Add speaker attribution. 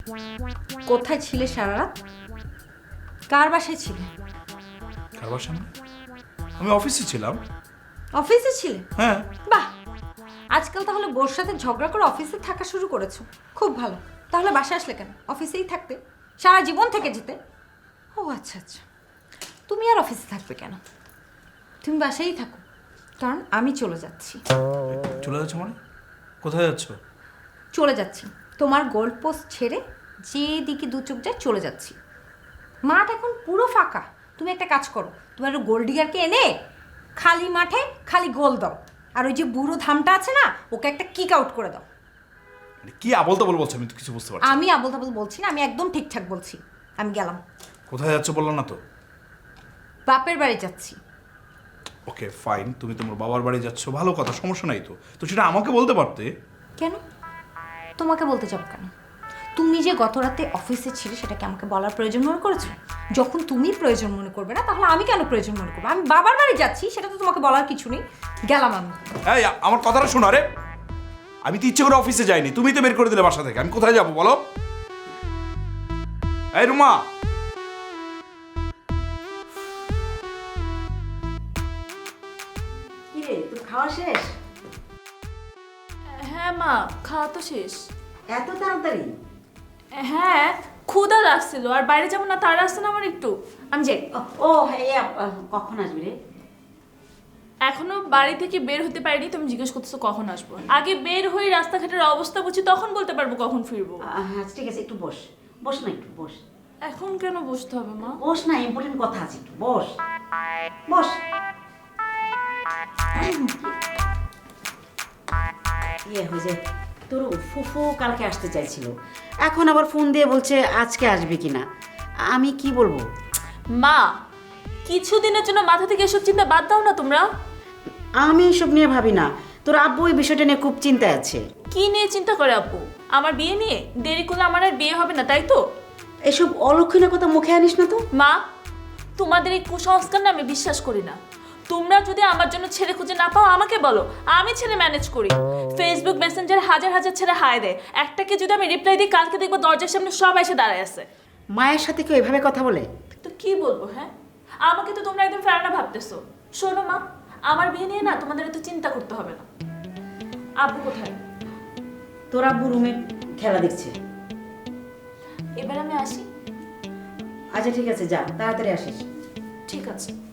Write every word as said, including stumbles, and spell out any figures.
Speaker 1: কোথায় ছিলে সারা রাত? কার বাসায় ছিলে?
Speaker 2: কার বাসা? আমি অফিসে ছিলাম।
Speaker 1: অফিসে ছিলে?
Speaker 2: হ্যাঁ।
Speaker 1: বাহ, আজকাল তাহলে বোর সাথে ঝগড়া করে অফিসে থাকা শুরু করেছো। খুব ভালো। তাহলে বাসায় আসলে কেন? অফিসেই থাকতে, সারা জীবন থেকে যেতে। ও আচ্ছা আচ্ছা, তুমি আর অফিসে থাকবে কেন? তুমি বাসায়ই থাকো, কারণ আমি চলে যাচ্ছি।
Speaker 2: চলে যাচ্ছ মানে? কোথায় যাচ্ছ?
Speaker 1: চলে যাচ্ছি তোমার গোল্ড পোস্ট ছেড়ে, যেদিকে দু চোখ যায় চলে যাচ্ছি। মাঠ এখন পুরো ফাঁকা। তুমি একটা কাজ করো, তোমার গোল্ড ডিগারকে এনে খালি মাঠে খালি গোল দাও, আর ওই যে বুড়ো ধামটা আছে না, ওকে একটা কিক আউট করে দাও।
Speaker 2: কি আবল তাবল বলছো? আমি তো কিছু বুঝতে পারছি।
Speaker 1: আমি আবল তাবল বলছি না, আমি একদম ঠিকঠাক বলছি। আমি গেলাম।
Speaker 2: কোথায় যাচ্ছ বললো না তো?
Speaker 1: বাপের বাড়ি যাচ্ছি।
Speaker 2: ওকে ফাইন, তুমি তোমার বাবার বাড়ি যাচ্ছ, ভালো কথা, সমস্যা নাই তো। তো সেটা আমাকে বলতে পারতে।
Speaker 1: কেন তোমাকে বলতে যাব কেন? তুমি যে গত রাতে অফিসে ছিলে, সেটাকে আমাকে বলার প্রয়োজন মনে করেছো? যখন তুমি প্রয়োজন মনে করবে না, তাহলে আমি কেন প্রয়োজন মনে করবো? আমি বাবার বাড়ি যাচ্ছি, সেটা তো তোমাকে বলার কিছু নেই। গেলাম আমি।
Speaker 2: এই আমার কথাটা শোনো। রে আমি তো ইচ্ছে করে অফিসে যাইনি, তুমি তো বের করে দিলে বাসা থেকে। আমি কোথায় যাবো বলো? এই রুমা,
Speaker 3: কি রে, তোর খাওয়া শেষ?
Speaker 4: হ্যাঁ মা, খাওয়া তো শেষ।
Speaker 3: এত তাড়াতাড়ি?
Speaker 4: হ্যাঁ, ক্ষুধা লাগছিল, আর বাইরে যাবো না, তার আসছে না আমার একটু। আমি যাই।
Speaker 3: ও হ্যাঁ, কখন আসবি রে?
Speaker 4: এখনো বাড়ি থেকে বের হতে পারিনি, তুমি জিজ্ঞেস করতেছো কখন আসবো। আগে বের হয়ে রাস্তাঘাটের অবস্থা বুঝি, তখন বলতে পারবো কখন ফিরবো।
Speaker 3: হ্যাঁ ঠিক আছে, একটু বস। বস না, একটু বস।
Speaker 4: এখন কেন বসতে হবে মা?
Speaker 3: বস না, ইম্পর্টেন্ট কথা আছে, একটু বস। বস। ইয়ে হয়েছে, তোর ফুফু কালকে আসতে চাইছিল, এখন আবার ফোন দিয়ে বলছে আজকে আসবে কিনা। আমি কি বলবো?
Speaker 4: মা, কিছুদিনের জন্য মাথা থেকে এসব চিন্তা বাদ দাও না তোমরা।
Speaker 3: আমি এসব নিয়ে ভাবি না, তোর আব্বু এই বিষয়টা নিয়ে খুব চিন্তায় আছে।
Speaker 4: কি নিয়ে চিন্তা করে আপু? আমার বিয়ে নিয়ে? দেরি করলে আমার আর বিয়ে হবে না, তাই তো?
Speaker 3: এসব অলক্ষণের কথা মুখে আনিস না তো।
Speaker 4: মা, তোমাদের এই কুসংস্কার না আমি বিশ্বাস করি না। তোমরা যদি আমার জন্য ছেলে খুঁজে না পাও, আমাকে বলো, আমি ছেলে ম্যানেজ করি। ফেসবুক মেসেঞ্জারে হাজার হাজার ছেলে হায় দেয়, একটাকে যদি আমি রিপ্লাই দিই, কালকে দেখবো দরজার সামনে সব এসে দাঁড়ায় আছে।
Speaker 3: মায়ের সাথে কেউ এভাবে কথা বলে?
Speaker 4: তো কি বলবো? হ্যাঁ, আমাকে তো তোমরা একদম ফেরানা ভাবতেছো। শোনো মা, আমার বিয়ে নিয়ে না তোমাদের এত চিন্তা করতে হবে না। আব্বু কোথায়?
Speaker 3: তোর আব্বু রুমে খেলা দেখছে।
Speaker 4: এবার আমি আসি।
Speaker 3: আচ্ছা ঠিক আছে, যা, তাড়াতাড়ি আসিস।
Speaker 4: ঠিক আছে।